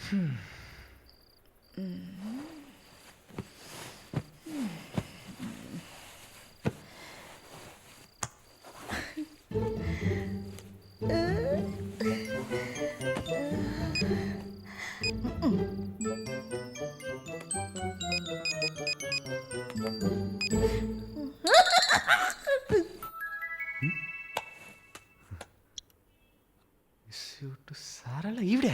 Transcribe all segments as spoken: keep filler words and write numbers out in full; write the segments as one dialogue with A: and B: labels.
A: సారాల ఈవిడే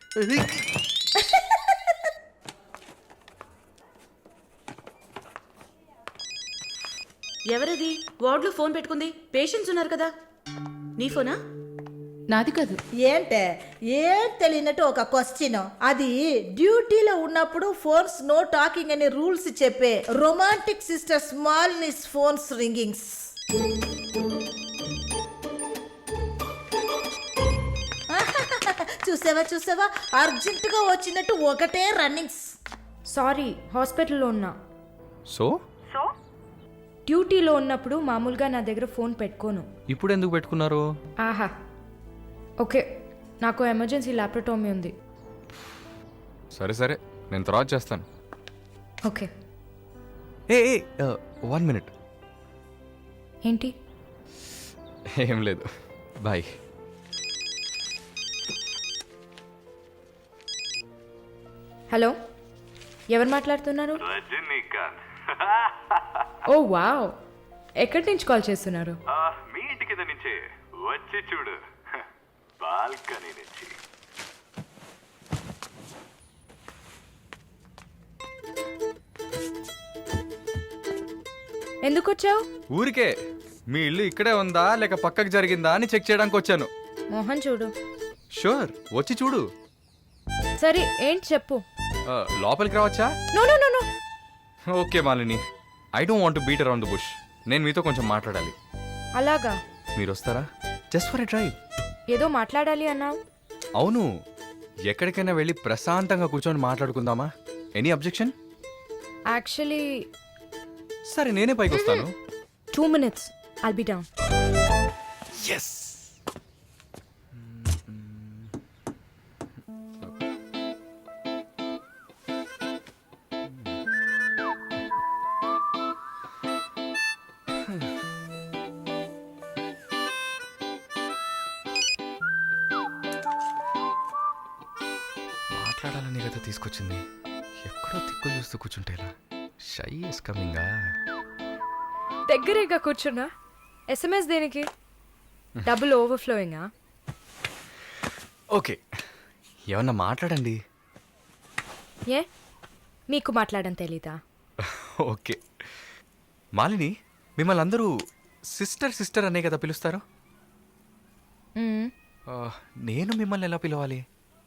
B: ఎవరది వార్డులో ఫోన్ పెట్టుకుంది? పేషెంట్స్ ఉన్నారు కదా. నీ ఫోనా?
C: నాది కాదు.
D: ఏంటే ఏం తెలియనట్టు ఒక క్వశ్చన్. అది డ్యూటీలో ఉన్నప్పుడు ఫోన్స్ నో టాకింగ్ అనే రూల్స్ చెప్పే romantic sister smallness phones ringings. చూసావా చూసావా అర్జెంటుగా వచ్చినట్టు ఒకటే రన్నింగ్స్.
E: సారీ, హాస్పిటల్లో ఉన్నా.
A: సో
E: డ్యూటీలో ఉన్నప్పుడు మామూలుగా నా దగ్గర ఫోన్ పెట్టుకోను.
A: ఇప్పుడు ఎందుకు పెట్టుకున్నారు?
E: ఆహా, ఓకే, నాకు ఎమర్జెన్సీ ల్యాప్రటోమీ ఉంది.
A: సరే సరే, నేను తర్వాత చేస్తాను.
E: ఓకే.
A: A one minute.
E: ఏంటి?
A: ఏం లేదు, బాయ్.
E: హలో, ఎవరు మాట్లాడుతున్నారు?
F: రజనీకాంత్.
E: ఓ వావ్, ఎక్కడి నుంచి కాల్ చేస్తున్నారు?
F: మీ ఇంటి కింద నుంచే వచ్చి చూడు, బాల్కనీ నుంచి.
E: ఎందుకు వచ్చావు?
A: ఊరికే మీ ఇల్లు ఇక్కడే ఉందా లేక పక్కకు జరిగిందా అని చెక్ చేయడానికి వచ్చాను.
E: మోహన్ చూడు.
A: షూర్, వచ్చి చూడు.
E: సరే, ఏంటి చెప్పు.
A: ఆ, లోపలికి రావచ్చా?
E: No no no no.
A: Okay Malini, I don't want to beat around the bush. నేను మీతో కొంచెం మాట్లాడాలి.
E: అలాగా?
A: మీరు వస్తారా? Just for a drive.
E: ఏదో మాట్లాడాలి అన్నావు.
A: అవును, ఎక్కడికైనా వెళ్ళి ప్రశాంతంగా కూర్చొని మాట్లాడుకుందామా? Any objection?
E: యాక్చువల్లీ
A: సరే, నేనే పైకి వస్తాను.
E: Two minutes, I'll be down.
A: Yes. మాట్లాడాలని కదా తీసుకొచ్చింది. ఎక్కడో తిక్కులు చూస్తూ కూర్చుంటే ఇలా. Shy is కమింగా.
E: దగ్గరేగా కూర్చున్నా. ఎస్ఎంఎస్ దేనికి? డబుల్ ఓవర్ఫ్లోయింగా?
A: ఓకే, ఏమన్నా మాట్లాడండి.
E: ఏ, మీకు మాట్లాడడం తెలీదా?
A: ఓకే మాలిని, మిమ్మల్ని అందరూ సిస్టర్ సిస్టర్ అనే కదా పిలుస్తారు.
E: మ్మ్.
A: ఆ, నేను మిమ్మల్ని ఎలా పిలవాలి?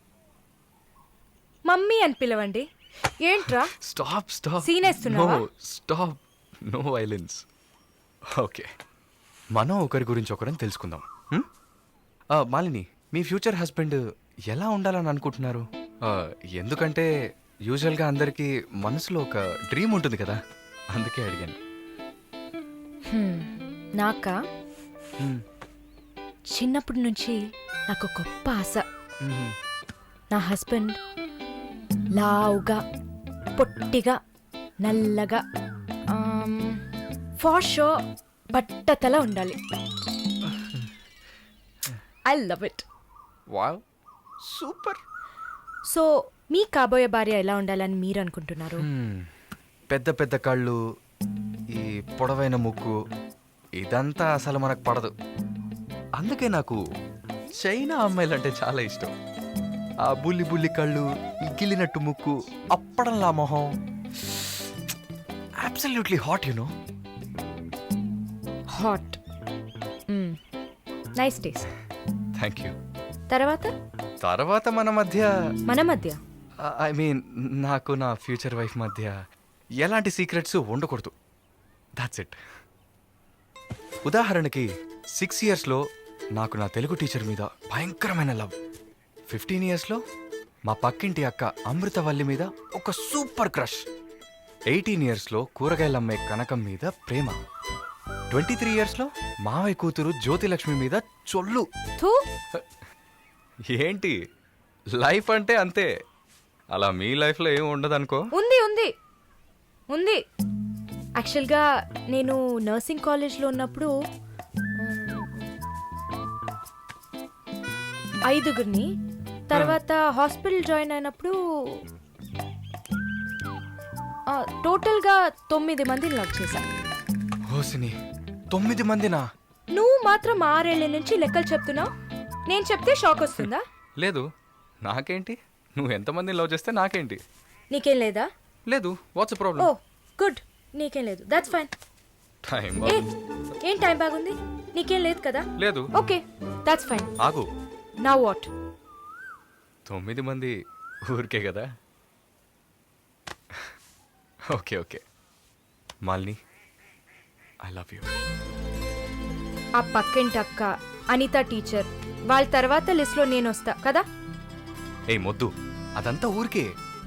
E: మమ్మీ అని పిలవండి. ఏంట్రా
A: స్టాప్ స్టాప్.
E: సీన్ వేస్తున్నావా?
A: No stop, no violence. Okay, మనం ఒకరి గురించి ఒకరని తెలుసుకుందాం. హ్మ్? ఆ, మాలిని, మీ ఫ్యూచర్ హస్బెండ్ ఎలా ఉండాలని అనుకుంటున్నారు? ఆ, ఎందుకంటే యూజువల్గా అందరికీ మనసులో ఒక డ్రీమ్ ఉంటుంది కదా, అందుకే అడిగాను.
E: హ్మ్, నాకా?
A: హ్మ్.
E: చిన్నప్పటి నుంచి నాకు గొప్ప ఆశ.
A: మ్మ్.
E: నా హస్బెండ్ లావుగా, పొట్టిగా, నల్లగా, ఫార్ షో బట్టతల ఉండాలి. I love it.
A: Wow, super.
E: So మీ కాబోయే భార్య ఎలా ఉండాలని మీరు అనుకుంటున్నారు?
A: మ్మ్. పెద్ద పెద్ద కళ్ళు, ఈ పొడవైన ముక్కు, ఇదంతా అసలు మనకు పడదు. అందుకే నాకు చైనా అమ్మాయిలంటే చాలా ఇష్టం. ఆ బుల్లి బుల్లి కళ్ళు, ఈ గిల్లినట్టు ముక్కు, అప్పడంలా మొహం, absolutely hot you know.
E: Hot. Nice taste.
A: Thank you.
E: తర్వాత
A: తర్వాత మన మధ్య,
E: మన మధ్య
A: ఐ మీన్ నాకు నా ఫ్యూచర్ వైఫ్ మధ్య ఎలాంటి సీక్రెట్స్ ఉండకూడదు. That's it. ఉదాహరణకి సిక్స్ ఇయర్స్లో నాకు నా తెలుగు టీచర్ మీద భయంకరమైన లవ్. ఫిఫ్టీన్ ఇయర్స్లో మా పక్కింటి అక్క అమృతవల్లి మీద ఒక సూపర్ క్రష్. ఎయిటీన్ ఇయర్స్లో కూరగాయలు అమ్మే కనకం మీద ప్రేమ. ట్వంటీ త్రీ ఇయర్స్లో మావయ్య కూతురు జ్యోతిలక్ష్మి మీద చొల్లు.
E: థూ.
A: ఏంటి, లైఫ్ అంటే అంతే. అలా మీ లైఫ్లో ఏం ఉండదు అనుకో.
E: ఉంది ఉంది ఉంది యాక్చువల్గా నేను నర్సింగ్ కాలేజ్లో ఉన్నప్పుడు మ్, ఐదుగురిని, తర్వాత హాస్పిటల్ జాయిన్ అయినప్పుడు ఆ, టోటల్గా తొమ్మిది మందిని లవ్ చేశా.
A: హోసిని, తొమ్మిది మందినా?
E: నువ్వు మాత్రం ఆరేళ్ల నుంచి లెక్కలు చెప్తున్నావు. నేను చెప్తే షాక్ వస్తుందా?
A: లేదు, నాకేంటి, నువ్వు ఎంతమందిని లవ్ చేస్తే నాకేంటి.
E: నీకేం లేదా?
A: లేదు, వాట్స్
E: ఓ
A: ప్రాబ్లం?
E: గుడ్, నీకేం లేదు, దట్స్ ఫైన్.
A: టైం
E: ఏ ఏం టైం బాగుంది? నీకేం లేదు కదా?
A: లేదు.
E: Okay, that's fine.
A: ఆగు,
E: నౌ వాట్?
A: తొమ్మిది మంది ఊరికే కదా. Okay okay Malini, I love you.
E: ఆ పక్కింటి అక్క, అనిత టీచర్, వాళ్ళ తర్వాత లిస్ట్లో నేను వస్తా కదా.
A: ఏ మొద్దు, అదంతా ఊరికే.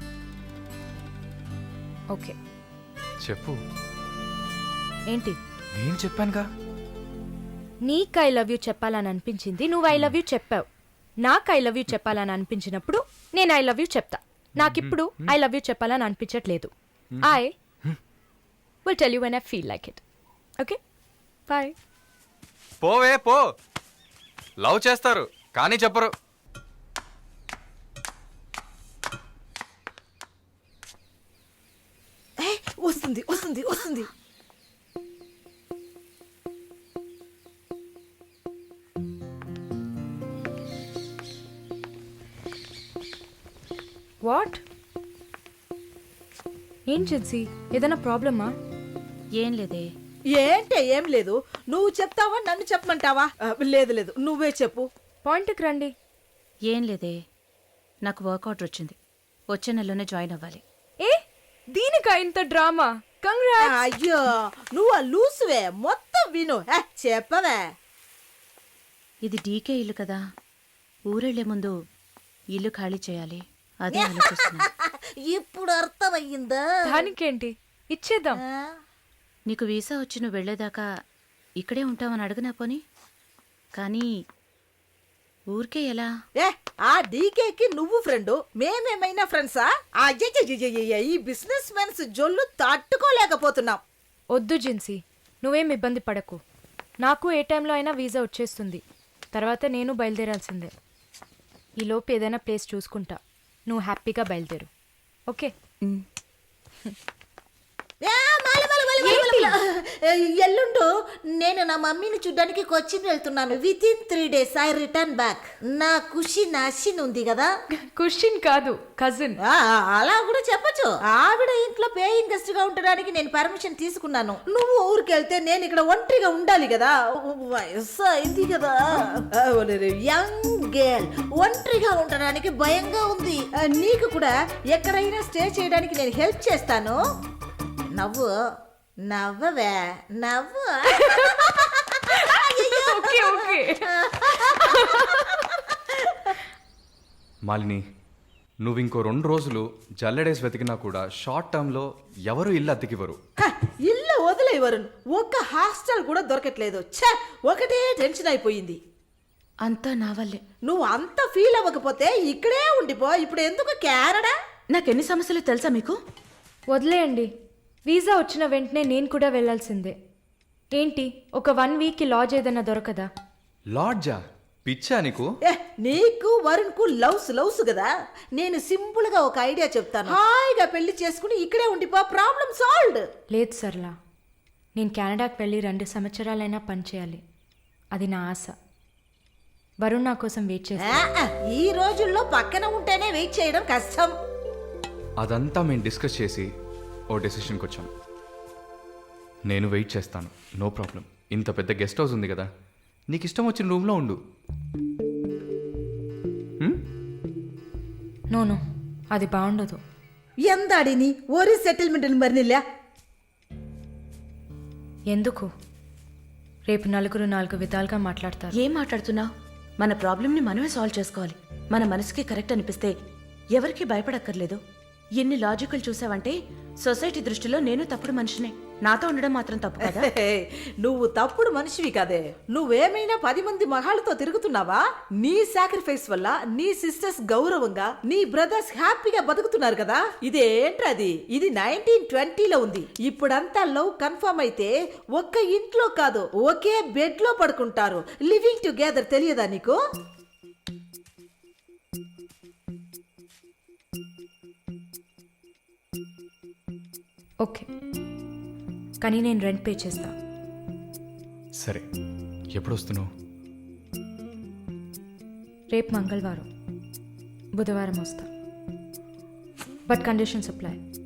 E: ఓకే,
A: చెప్పు.
E: ఏంటి?
A: నేను చెప్పానుగా.
E: నీకు ఐ లవ్ యూ చెప్పాలని అనిపించింది, నువ్వు ఐ లవ్ యూ చెప్పావు. నాకు ఐ లవ్ యూ చెప్పాలని అనిపించినప్పుడు నేను ఐ లవ్ యూ చెప్తా. నాకిప్పుడు ఐ లవ్ యూ చెప్పాలని అనిపించట్లేదు. I will tell you when I feel like it. Okay, bye.
A: పోవే పో. లవ్ చేస్తారు కానీ చెప్పరు.
D: ఏ, వస్తుంది వస్తుంది వస్తుంది.
E: వాట్? ఏం జిన్సీ, ఏదైనా ప్రాబ్లమా?
B: ఏం లేదే.
D: ఏంటే ఏం లేదు, నువ్వు చెప్తావా నన్ను చెప్పమంటావా? ఆ, లేదు లేదు, నువ్వే చెప్పు.
E: పాయింట్కి రండి.
B: ఏం లేదే, నాకు వర్క్ ఆర్డర్ వచ్చింది. వచ్చే నెలలోనే జాయిన్ అవ్వాలి.
E: ఏ దీనికా ఇంత డ్రామా? కంగ్రాట్స్.
D: అయ్యో, నువ్వు ఆ లూసువే, మొత్తం విను. ఏ, చెప్పవే.
B: ఇది డీకే ఇల్లు కదా, ఊరెళ్లే ముందు ఇల్లు ఖాళీ చేయాలి, అదే ఆలోచిస్తున్నా.
D: ఇప్పుడు అర్థమయ్యిందా?
E: దానికేంటి, ఇచ్చేద్దాం.
D: ఆ?
B: నీకు వీసా వచ్చి నువ్వు వెళ్లేదాకా ఇక్కడే ఉంటామని అడుగునా పోని. కానీ ఊరికే ఎలా?
D: ఏ, ఆ డీకేకి నువ్వు ఫ్రెండు, మేమేమైనా ఫ్రెండ్సా? అయ్యయ్యయ్యయ్య, ఈ బిజినెస్ మెన్స్ జొల్లు తట్టుకోలేకపోతున్నాం.
E: వద్దు జిన్సీ, నువ్వేం ఇబ్బంది పడకు. నాకు ఏ టైంలో అయినా వీసా వచ్చేస్తుంది. తర్వాత నేను బయలుదేరాల్సిందే. ఈలోపు ఏదైనా ప్లేస్ చూసుకుంటా, నువ్వు హ్యాపీగా బయలుదేరు. ఓకే?
D: ఏ, మాల, మాల, మాల, మాల, మాల, మాల. ఏ, ఎల్లుండు నేను నా మమ్మీని చూడ్డానికి కొచ్చిన్ వెళ్తున్నాను. With in three days I return back. నా ఖుషి నాశిన్ ఉంది కదా.
E: క్వశ్చన్ కాదు, కజిన్.
D: ఆ, అలా కూడా చెప్పచ్చు. ఆవిడ ఇంట్లో పేయింగ్ గెస్ట్ గా ఉండడానికి నేను పర్మిషన్ తీసుకున్నాను. నువ్వు ఊరికి వెళ్తే నేను ఇక్కడ ఒంటరిగా ఉండాలి కదా. వయసు అయింది కదా. యంగ్ గర్ల్ ఒంటరిగా ఉండడానికి భయంగా ఉంది. ఆ, నీకు కూడా ఎక్కడైనా స్టే చేయడానికి నేను హెల్ప్ చేస్తాను. నవ్వు నవ్వవే, నవ్వు.
E: Okay okay.
A: మాలిని, నువ్వు ఇంకో రెండు రోజులు జల్లెడేసి వెతికినా కూడా షార్ట్ టర్మ్లో ఎవరు ఇల్లు అద్దెకివ్వరు.
D: హ, ఇల్లు వదిలే వరుణ్, ఒక్క హాస్టల్ కూడా దొరకట్లేదు. ఛ, ఒకటే టెన్షన్ అయిపోయింది.
B: అంతా నా వల్లే.
D: నువ్వు అంత ఫీల్ అవ్వకపోతే ఇక్కడే ఉండిపో. ఇప్పుడు ఎందుకు కెనడా?
B: నాకెన్ని సమస్యలు తెలుసా మీకు?
E: వదిలేయండి. వీసా వచ్చిన వెంటనే నేను కూడా వెళ్ళాల్సిందే. ఏంటి, ఒక వన్ వీక్కి లాడ్జ్ ఏదైనా దొరకదా?
A: లాడ్జా? పిచ్చా నీకు?
D: ఏ, నీకు వరుణ్ కు లవ్స్ లవ్స్ కదా. నేను సింపుల్ గా ఒక ఐడియా చెప్తాను. హాయిగా పెళ్లి చేసుకుని ఇక్కడే ఉండిపో, ప్రాబ్లం సాల్వ్డ్.
E: లేదు సర్లా, నేను కెనడాకి వెళ్ళి రెండు సంవత్సరాలైనా పనిచేయాలి. అది నా ఆశ. వరుణ్ నా కోసం వెయిట్ చేస్తా.
D: ఆ, ఆ, ఈ రోజుల్లో పక్కన ఉంటేనే వెయిట్ చేయడం కష్టం.
A: అదంతా మేము డిస్కస్ చేసి ఓ డెసిషన్కి వచ్చాం. నేను వెయిట్ చేస్తాను, నో ప్రాబ్లం. ఇంత పెద్ద గెస్ట్ హౌస్ ఉంది కదా, నీకు ఇష్టం వచ్చిన రూమ్లో ఉండు.
E: నో నో, అది బాగుండదు.
D: ఎందాడిని ఓరి సెటిల్మెంట్ మరినిల్లా.
E: ఎందుకు? రేపు నలుగురు నాలుగు విధాలుగా మాట్లాడతారు.
B: ఏం మాట్లాడుతున్నావు? మన ప్రాబ్లంని మనమే సాల్వ్ చేసుకోవాలి. మన మనసుకి కరెక్ట్ అనిపిస్తే ఎవరికి భయపడక్కర్లేదు. ఎన్ని లాజికల్ చూసావంటే సొసైటీ దృష్టిలో నేను తప్పుడు మనిషినే. నాతో ఉండడం మాత్రం తప్పు కదా?
D: హే, నువ్వు తప్పుడు మనిషివి కదే. నువ్వేమైనా పది మంది మగాళ్ళతో తిరుగుతున్నావా? నీ సాక్రిఫైస్ వల్ల నీ సిస్టర్స్ గౌరవంగా, నీ బ్రదర్స్ హ్యాపీగా బతుకుతున్నారు కదా. ఇదేంట్రది? ఇది నైన్టీన్ ట్వంటీలో ఉంది. ఇప్పుడంతా లవ్ కన్ఫర్మ్ అయితే ఒక్క ఇంట్లో కాదు, ఒకే బెడ్ లో పడుకుంటారు. లివింగ్ టుగెదర్ తెలియదా నీకు?
E: ఓకే, కానీ నేను రెంట్ పే చేస్తా.
A: సరే, ఎప్పుడు వస్తున్నావు?
E: రేపు మంగళవారం, బుధవారం వస్తా. But conditions apply.